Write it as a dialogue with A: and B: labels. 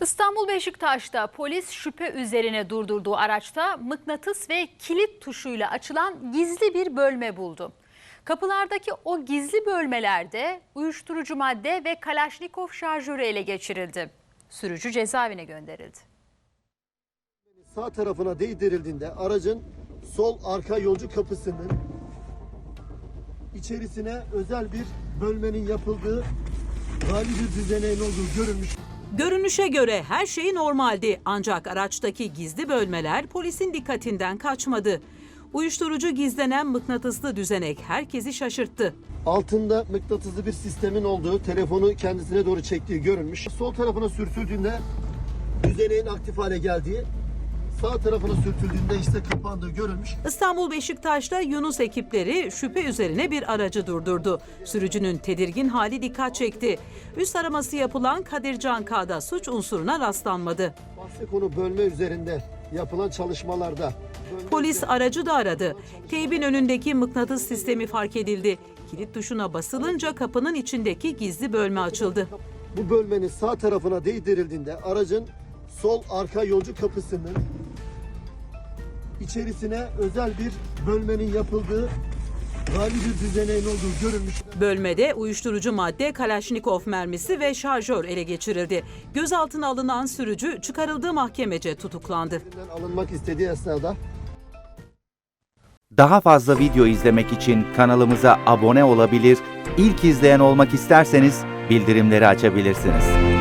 A: İstanbul Beşiktaş'ta polis şüphe üzerine durdurduğu araçta mıknatıs ve kilit tuşuyla açılan gizli bir bölme buldu. Kapılardaki o gizli bölmelerde uyuşturucu madde ve Kalaşnikov şarjörü ele geçirildi. Sürücü cezaevine gönderildi.
B: Sağ tarafına değdirildiğinde aracın sol arka yolcu kapısının içerisine özel bir bölmenin yapıldığı hali bir düzeneğin olduğu görülmüş.
C: Görünüşe göre her şey normaldi ancak araçtaki gizli bölmeler polisin dikkatinden kaçmadı. Uyuşturucu gizlenen mıknatıslı düzenek herkesi şaşırttı.
B: Altında mıknatıslı bir sistemin olduğu, telefonu kendisine doğru çektiği görülmüş. Sol tarafına sürtüldüğünde düzeneğin aktif hale geldiği, sağ tarafına sürtüldüğünde işte kapandığı görülmüş.
C: İstanbul Beşiktaş'ta Yunus ekipleri şüphe üzerine bir aracı durdurdu. Sürücünün tedirgin hali dikkat çekti. Üst araması yapılan Kadircan K'da suç unsuruna rastlanmadı.
B: Bahse konu bölme üzerinde yapılan çalışmalarda.
C: Polis aracı da aradı. Teybin önündeki mıknatıs sistemi fark edildi. Kilit tuşuna basılınca kapının içindeki gizli bölme açıldı.
B: Bu bölmenin sağ tarafına değdirildiğinde aracın sol arka yolcu kapısının içerisine özel bir bölmenin yapıldığı hali bir düzeneğin olduğu görülmüş.
C: Bölmede uyuşturucu madde, Kalaşnikov mermisi ve şarjör ele geçirildi. Gözaltına alınan sürücü çıkarıldığı mahkemece tutuklandı.
B: Alınmak istediği esnada.
D: Daha fazla video izlemek için kanalımıza abone olabilir, ilk izleyen olmak isterseniz bildirimleri açabilirsiniz.